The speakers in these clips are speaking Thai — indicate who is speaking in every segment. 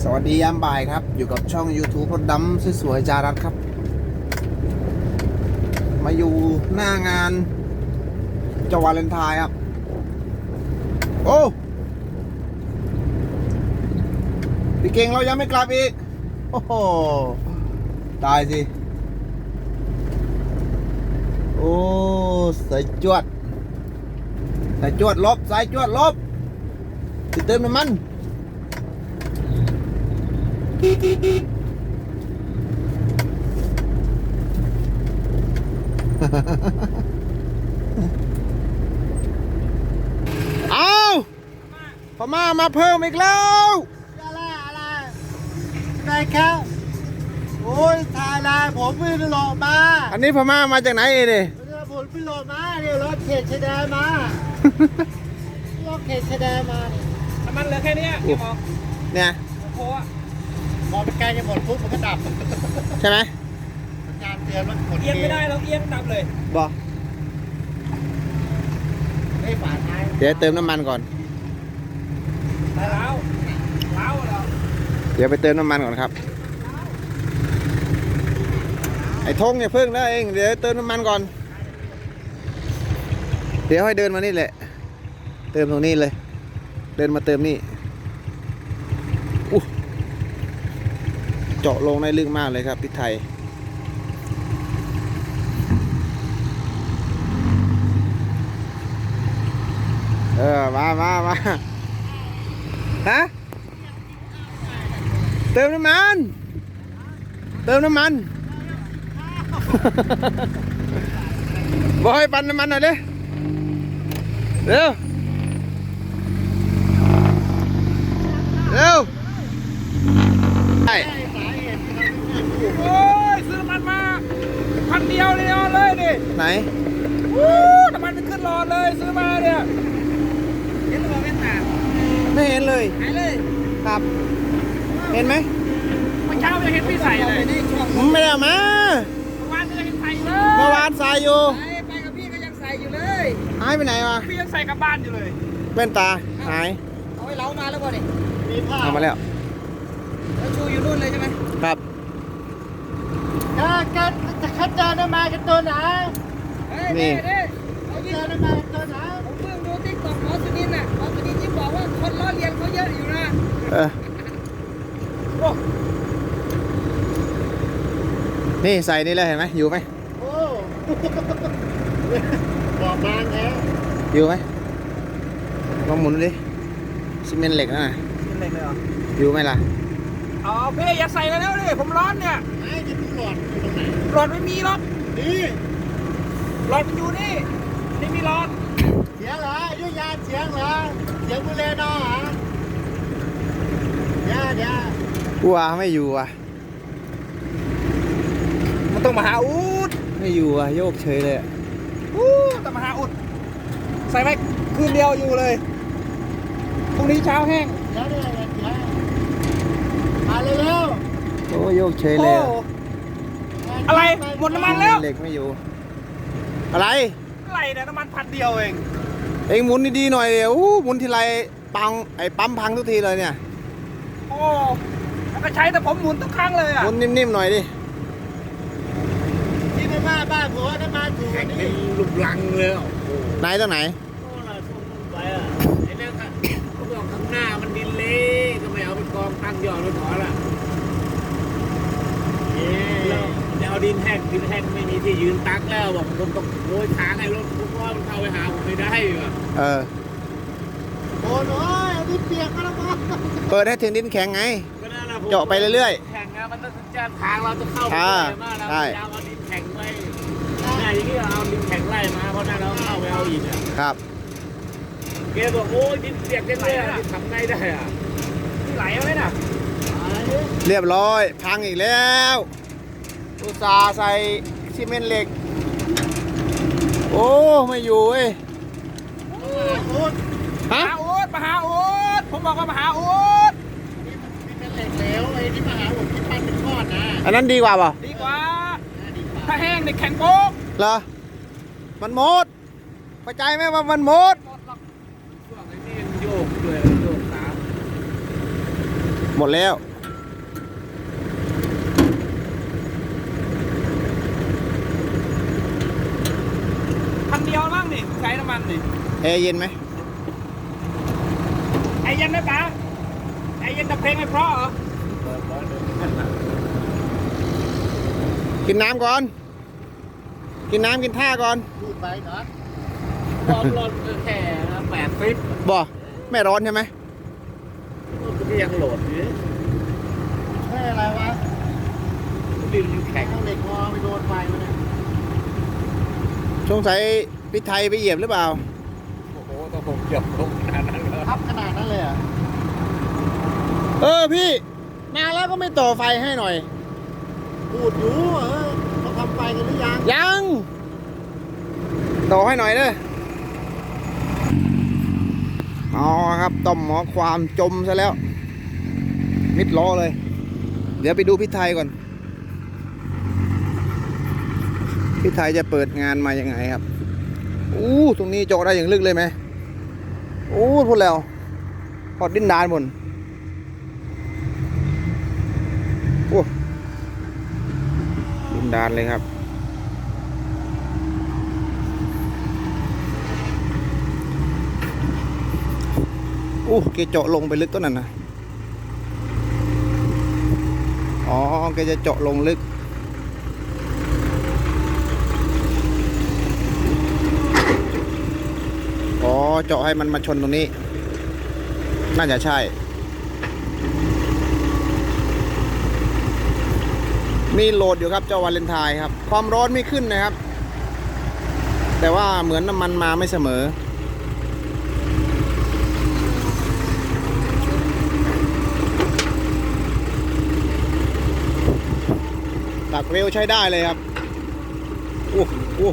Speaker 1: สวัสดียามบ่ายครับอยู่กับช่อง YouTube รถดำสวยๆจารัสครับมาอยู่หน้างานเจ้าวาเลนไทน์ครับโอ้พี่เก่งเรายังไม่กลับอีกโอ้โหตายสิโอ้สายจวดลบสายจวดลบติดเติมน้ำมันเอาพม่ามาเพิ่มอีกแล้ว
Speaker 2: อะไรได้ครับโอ้ยถ่ายลายผมไม่ได้โหลดมา
Speaker 1: อันนี้พม่ามาจากไหนนี่
Speaker 2: ผมไม่โหลดมาเดี๋ยวรถเขตชายแดนมา รถเขตชายแดนมา
Speaker 3: น้
Speaker 2: เนี่ย
Speaker 3: ำมันเหลือแค่นี้พี่บอก
Speaker 1: เนี่ย
Speaker 3: โค้ะ
Speaker 2: พอเป็นใกล้จะหมดปุ๊บมันก็ดับ
Speaker 1: ใช่ไหม
Speaker 2: สัญญาณเตือนมันกด
Speaker 3: เอียงไม่ได้เราเอียงดับเลย
Speaker 1: บอก
Speaker 2: ไม่ฝาท้าย
Speaker 1: เดี๋ยวเติมน้ำมันก่อน
Speaker 3: เล้าเหรอ
Speaker 1: เดี๋ยวไปเติมน้ำมันก่อนครับไอ้ทงเนี่ยเพิ่งแล้วเองเดี๋ยวเติมน้ำมันก่อนเดี๋ยวให้เดินมานี่แหละเติมตรงนี้เลยเดินมาเติมนี่เจาะลงได้ลึกมากเลยครับพี่ไทยมาฮะเติมน้ำมันบอกให้ปั่นน้ำมันหน่อยดิเร็วใช่
Speaker 3: โอ้ยซื้อน้ำมันมา1,000เดียวเลยดิ
Speaker 1: ไหน
Speaker 3: น้ำมันจะขึ้นหลอดเลยซื้อมาเนี่ยเห็นตัวไม่ต่าง
Speaker 1: ไม่เห็นเลย
Speaker 3: หายเลย
Speaker 1: ครับเห็นไหม
Speaker 3: เมื่อเช้าจะเห็นพี่ใส่เลย
Speaker 1: ไม่ได้เอามา
Speaker 3: เมื่อวานจะเห็นใส่เล
Speaker 1: เมื่อย วานใส่อยู่
Speaker 3: ไปกับพี่ก็ยังใส่อยู่เลย
Speaker 1: หายไปไหนวะ
Speaker 3: พี่ยังใส่กลับบ้านอยู่เลย
Speaker 1: แว่นตาหาย
Speaker 3: เอาไว้เล้ามาแล้วบ่เนี่ย
Speaker 2: มีผ้า
Speaker 1: เอามาแล้ว
Speaker 3: แล้วชูอยู่นู่นเลยใช่ไหม
Speaker 1: ครับ
Speaker 2: จะคัดเจอได้มากันตัวไหน
Speaker 1: นี่
Speaker 3: เอา
Speaker 2: เจ
Speaker 3: ยิง
Speaker 2: อได้มากันตัวไหน
Speaker 3: ผมเพิ่งดูติ๊กต็อกหมอสุนินทร์น่ะหมอสุนินทร์ที่บอกว่าคนล้อเลียนเขาเยอะอยู่นะ
Speaker 1: เออ
Speaker 3: โอ้
Speaker 1: นี่ใส่นี่เลยเห็นไหมอยู่ไหม
Speaker 2: โอ้บอกบางแล้ว
Speaker 1: อยู่ไหมลองหมุนดูดิซีเมนต์เหล็กนะ
Speaker 3: เป็นไรเลยเหรอ
Speaker 1: อยู่ไหมล่ะ
Speaker 3: อ๋อพี่อย่าใส่กันแล้วดิผมร้อนเนี่ย
Speaker 2: ไอ้จะดูหลอดอยู่ตรงไหน
Speaker 3: หลอดไม่มีหรอก
Speaker 2: นี่
Speaker 3: หลอดมันอยู่นี่นี่มีหลอด
Speaker 2: เสียงเหรอยุยาเสียงเหรอเสียงบุเรนอเหรอเดี๋ยว
Speaker 1: กลัวไม่อยู่อ่ะ
Speaker 3: มันต้องมาหาอุด
Speaker 1: ไม่อยู่อ่ะโยกเฉยเลยอะ
Speaker 3: ต้องมาหาอุดใส่ไว้คืนเดียวอยู่เลยพรุ่งนี้เช้าแห้ง
Speaker 2: เดี๋ยวมาเร็ว
Speaker 1: โอ้โยกเฉย
Speaker 3: โอ้
Speaker 1: เลยอะ
Speaker 3: อะไรหมดน้ำมันแล้ว
Speaker 1: เหล็กไม่อยู่ อะไร
Speaker 3: อะไรเนี่ยน้ำมัน1,000เดียวเอง
Speaker 1: เอ็งหมุนดีๆหน่อยเดี๋ยวหมุนทีไรปังไอ้ปั๊มพังทุกทีเลยเนี่ย
Speaker 3: โอ้แล้วก็ใช้แต่ผมหมุนทุกครั้งเลยอ่ะ
Speaker 1: หมุนนิ่มๆหน่อยดิ
Speaker 2: ที่ไม่มาบ้านผัวน้ำมันถูกนี่
Speaker 4: ลูกลังเลยอ่ะ
Speaker 1: ไหนตัวไหน
Speaker 4: โอ้ล่ะส่งไปอ่ะไอ้นั่นเขาบอกข้างหน้ามันดินเละก็ไม่เอาไปกองตั้งยอดไว้พอละแล้วจะเอาดินแห้งไม่มีที่ยืนตักแล้วบอกผมต้องโวยทางให้รถทุกว่ามันเข้าไปหาผมไม่ได้อ่ะ
Speaker 1: เออ
Speaker 2: โอ้ยดินเปียกแล้วมั้ง
Speaker 1: เปิดให้ถึงดินแข็งไง
Speaker 4: ก็นั่นแหละผม
Speaker 1: เจาะไปเรื่อย
Speaker 4: แข่งนะมันต้องจะทางเราจะเข้าไป
Speaker 1: อ่า
Speaker 4: ได้มากแล้ว
Speaker 1: ใช่
Speaker 4: จะเอาดินแข็งไว้เนี่ยอย่างนี้เอาดินแข็งไล่มาเพราะนั่นเราเข้าไปเอาอีกอ่ะ
Speaker 1: ครับ
Speaker 4: แกบอกโอ้ยดินเปียกจังเลยอ่ะทำไงได้อ่ะ
Speaker 3: ไหลเอาเลยน่ะ
Speaker 1: เรียบร้อยพังอีกแล้วอุตส่าห์ใส่ซีเมนต์เหล็ก โอ้ไม่อยู่เว้ย
Speaker 3: มา
Speaker 1: ฮะ
Speaker 3: หาอุดมาหาอุดผมบอกว่ามาหาอุด
Speaker 2: นี่เป็นเหล็กเหลวไอ้ที่มาหาผมที่ปั้นเป็นก้อนนะ
Speaker 1: อันนั้นดีกว่าเปล่า
Speaker 3: ดีกว่า ถ้าแห้งเนี่ยแข็งโป๊ก
Speaker 1: เหรอมันหมดเข้าใจไหมว่ามันหมด
Speaker 4: ช่วงไอ้นี่มันโยกด้วยโยกตาม
Speaker 1: หมดแล้ว
Speaker 3: ใช้น้ำมันดิ
Speaker 1: แอร์เย็นไหม
Speaker 3: ไอเย็นไหมป๋าไอเย็นแต่เพลงไม่เพราะเหรอ
Speaker 4: เปิดร้อนเลย
Speaker 1: กินน้ำก่อน กินน้ำกินท่าก่อน
Speaker 2: พูดไปเนาะ
Speaker 4: ความร้อนก็แค่80
Speaker 1: บ่ไม่ร้อนใช่ไหม
Speaker 4: ก็ยังโหลดอยู่
Speaker 2: ไม่อะไรวะ
Speaker 4: ดินมันแข็ง
Speaker 2: เอาเหล็กงอไปโดนไฟมันเนี่ย
Speaker 1: สงสัยพี่ไทยไปเหยียบหรือเปล่า
Speaker 4: โอ้โหต้องผมเกือบลงขนาดนั้นเลย
Speaker 2: ทับขนาดนั้นเลยอ่ะ
Speaker 1: เออพี่มาแล้วก็ไม่ต่อไฟให้หน่อย
Speaker 2: พูดอยู่เขาทำไฟกันหรือยัง
Speaker 1: ยังต่อให้หน่อยเด้ออ๋อครับต้อมหมอความจมซะแล้ว มิดล้อเลย เดี๋ยวไปดูพี่ไทยก่อน พี่ไทยจะเปิดงานมายังไงครับอู้ตรงนี้เจาะได้อย่างลึกเลยไหมอู้พูดแล้วพอดดินดานบนโอ้ดินดานเลยครับอู้แกเจาะลงไปลึกต้นนั้นนะอ๋อแกจะเจาะลงลึกอ๋อเจาะให้มันมาชนตรงนี้น่าจะใช่มีโหลดอยู่ครับเจ้าวาเลนไทน์ครับความร้อนไม่ขึ้นนะครับ แต่ว่าเหมือนน้ำมันมาไม่เสมอตักเร็วใช้ได้เลยครับอู้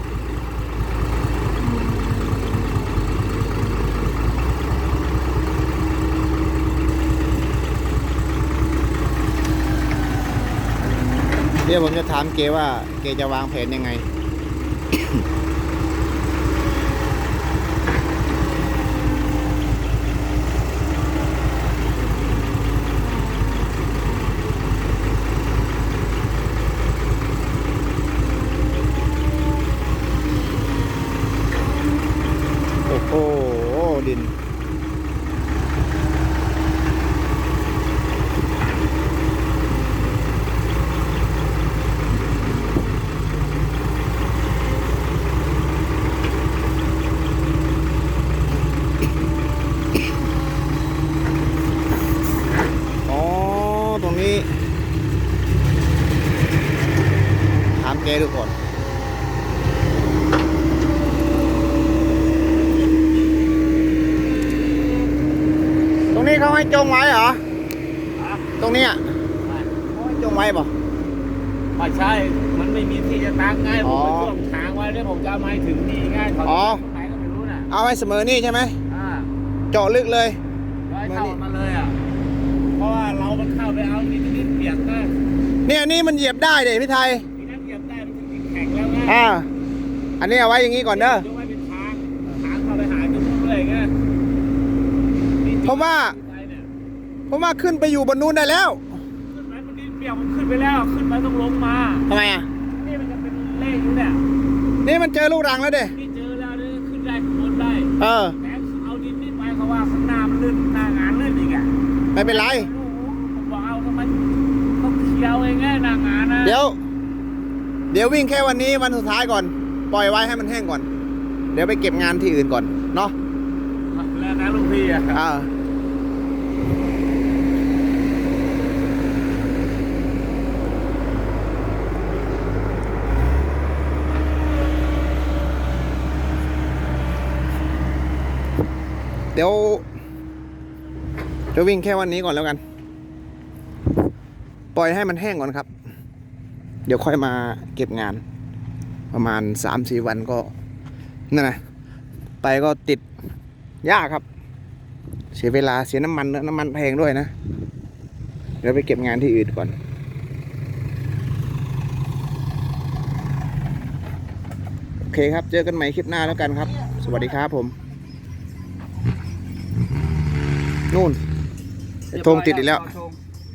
Speaker 1: เดี๋ยวผมจะถามเกว่าเกจะวางแผนยังไง โอ้โหดินอ๋อตรงนี้ถามแกดูก่อนตรงนี้เขาให้จงไว้เหรอ ตรงนี้อ่ะเขาให้จงไว้ป่ะ
Speaker 4: ไม่ใช่ มันไม่มีที่จะตั้งไง
Speaker 1: อ๋
Speaker 4: ผม
Speaker 1: อ
Speaker 4: ไปช่วงทางไว้แล้วผมจะเอามาให้ถึงนี่ไง่ายถอด
Speaker 1: อ๋อ
Speaker 4: ไหนก็ไม่รู้น่ะ
Speaker 1: เอาให้เสมอนี่ใช่ไหม
Speaker 4: อ่า
Speaker 1: เจาะลึกเลย
Speaker 4: ร้อยเท่ามาเลยอ่ะ เพราะว่าเรามันเข้าไปเอานิดเปียกนะ
Speaker 1: เนี่ยนี่มันเหยียบได้เด็พี่ไทย
Speaker 4: ทีนั้นเหยียบได้มันถึงแข็งแล้วไง
Speaker 1: อ่า อันนี้เอาไว้อย่างนี้ก่อนเด้อย
Speaker 4: กไว้เป็นทางเข้าไปหาจุดนู้นเลยไงนี่จุด
Speaker 1: เพราะว่า
Speaker 4: ไปเนี่ย
Speaker 1: ผมว่าขึ้นไปอยู่บนนู้นได้แล้ว
Speaker 4: ขึ้นไปมันดินเปียกมันขึ้นไปแล้ว ขึ้นไปต้องลงมา
Speaker 1: ทำไมอ่ะ
Speaker 4: นี่มันจะเป็นเลขอยู่เนี่ย
Speaker 1: นี่มันเจอลูกรังแล้วเด้
Speaker 4: นี่เจอแล้วนี่ขึ้นได้ข้างบนได้
Speaker 1: เออ
Speaker 4: แต่เอาดินนี่ไปเขาว่าข้างหน้ามันลื่นหน้างานลื่นอีกอ่ะ
Speaker 1: ไม่เป็นไร
Speaker 4: ผมบอกเอาทำไมต้องเคี้ยวเองไงหน้างานนะ
Speaker 1: เดี๋ยววิ่งแค่วันนี้วันสุดท้ายก่อน ปล่อยไว้ให้มันแห้งก่อน เดี๋ยวไปเก็บงานที่อื่นก่อน เนาะ
Speaker 4: แล้วนะลุงพี่อ่ะ
Speaker 1: อ่าเดี๋ยวจะวิ่งแค่วันนี้ก่อนแล้วกัน ปล่อยให้มันแห้งก่อนครับ เดี๋ยวค่อยมาเก็บงาน ประมาณ 3-4 วันก็นั่นนะไปก็ติดยากครับ เสียเวลาเสียน้ำมันน้ำมันแพงด้วยนะ เดี๋ยวไปเก็บงานที่อื่นก่อน โอเคครับ เจอกันใหม่คลิปหน้าแล้วกันครับ สวัสดีครับผม นู่นธงติดอีกแล้ว
Speaker 3: ธง